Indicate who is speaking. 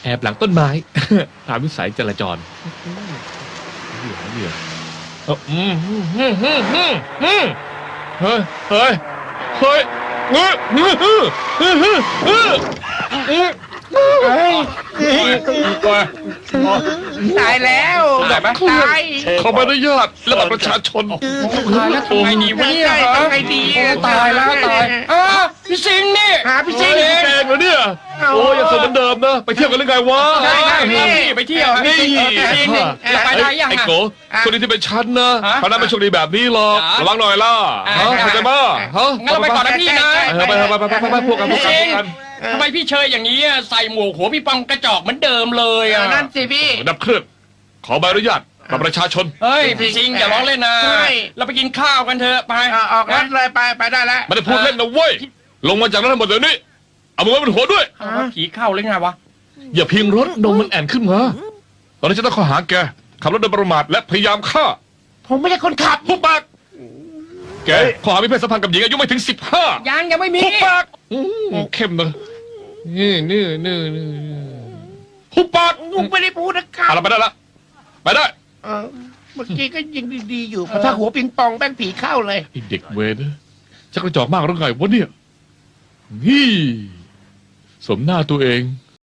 Speaker 1: แอบหลังต้นไม้ ตามวิสัยจราจรเหี้ยเฮ้ยเฮ้ยเฮ้ย
Speaker 2: ตายแล้วแบบตาย
Speaker 1: ขอใบอนุญาตและบัตรประชาชน
Speaker 3: ตายแล้วทำไงดีวะเนี่ย
Speaker 2: ทำไงดี
Speaker 3: ตายแล้วตายพี่สิงห์นี่
Speaker 2: หาพี่ซิง
Speaker 1: เองแกงเหรอเนี่ยโอ้ยยังสดเหมือนเดิมนะไปเที่ยวกันหรือไงวะ
Speaker 2: ได้พี่
Speaker 3: ไปเที่ยว
Speaker 1: นี่
Speaker 3: พี่สิงห์จะไปได้ยัง
Speaker 1: ไอ้
Speaker 3: อ่ะ
Speaker 1: โกคนนี้ที่เป็นฉันนะ
Speaker 3: ฮะ
Speaker 1: เพราะนั้นไม่โชคดีแบบนี้หรอก
Speaker 3: จ๋า
Speaker 1: ระวังหน่อยล่ะฮะเข้าใจมั้ยฮะ
Speaker 3: งั้นเราไปก่อนนะพี่นะ
Speaker 1: ไปพวกกัน
Speaker 3: พี่สิงห์ทำไมพี่เชยอย่างนี้ใส่หมวกหัวพี่ปองกระจอกเหมือนเดิมเลยอ่ะ
Speaker 2: นั่นสิพี่
Speaker 1: ดับเครื่องขอใบอนุญาตบัตรประชาชน
Speaker 3: เฮ้ยพี่สิงห์อย่าร้องเล่นนะ
Speaker 2: ใช่
Speaker 3: เราไปกินข้าวกันเถอะไป
Speaker 2: ออกรถเลยไปได้แล้ว
Speaker 1: ไม่ได้พูดเล่นนะเว้ยลงมาจากรถทั้งหมดเดี๋ยวนี้เอามือไว้บนหัวด้วย
Speaker 3: ผีเข้าหรือไงวะ
Speaker 1: อย่าพิงรถนมมันแอนขึ้นมาตอนนี้จะต้องข้อหาแกขับรถโดยประมาทและพยายามฆ่า
Speaker 2: ผมไม่ใช่คนขับ
Speaker 1: หุบปากแกข้อหามีเพศสัมพันธ์กับหญิงอายุไม่ถึง15
Speaker 3: ยังไม่มี
Speaker 1: หุบปากเข้มนะนี่หุบปาก
Speaker 2: ผมไม่ได้พูดนะครับ
Speaker 1: เอาละไปได้ละไปได้
Speaker 2: เมื่อกี้ก็ยังดีๆอยู่พอถ้าหัวปิงปองแป้งผีเข้าเลย
Speaker 1: ไอเด็กเวรนะชักกระจอกมากหรือไงวะเนี่ยนี่สมหน้าตัวเอง